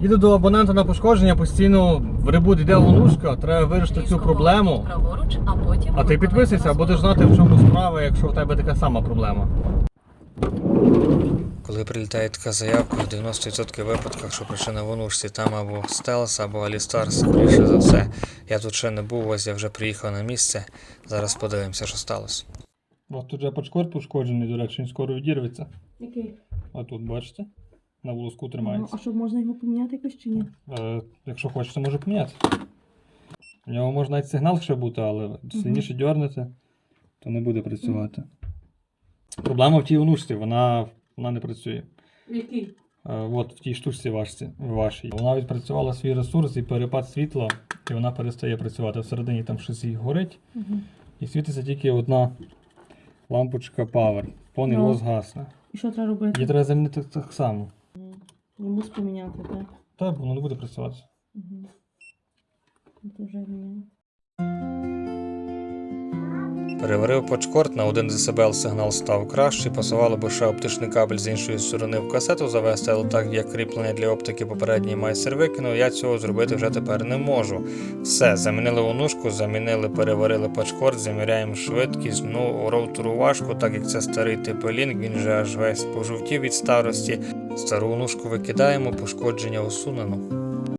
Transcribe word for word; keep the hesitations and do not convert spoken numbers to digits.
Їду до абонента на пошкодження, постійно в ребут йде онушка, треба вирішити цю проблему. А ти підписуйся, будеш знати, в чому справа, якщо в тебе така сама проблема. Коли прилітає така заявка, в дев'яносто відсотків випадках, що причина в онушці, там або Стелс, або Алістар, скоріше за все. Я тут ще не був, ось я вже приїхав на місце. Зараз подивимося, що сталося. Ось тут же пачкод пошкоджений, до речі, він скоро відірветься. Який? А тут, бачите? На волоску Ну, тримається. а що, можна його поміняти якось чи ні? Е, якщо хочете, можу поміняти. У нього може навіть сигнал ще бути, але сильніше дьорнете, то не буде працювати. Проблема в тій онушці, вона, вона не працює. Який? Е, от в тій штучці вашці, вашій. Вона відпрацювала свій ресурс і перепад світла, і вона перестає працювати. Всередині там щось і горить, Угу. і світиться тільки одна лампочка Power. Повний Ну. лос гасне. І що треба робити? Її треба замінити так само. Йому поміняти, так? Так, воно не буде працювати. Угу. Це вже міняє. Переварив почкорд, на один децибел сигнал став кращий, пасувало би ще оптичний кабель з іншої сторони в касету завести, але так як кріплення для оптики попередній майстер викинув, я цього зробити вже тепер не можу. Все, замінили онушку, замінили, переварили почкорд, заміряємо швидкість, ну роутеру важко, так як це старий тип Link, він же аж весь пожовтів від старості. Стару онушку викидаємо, пошкодження усунено.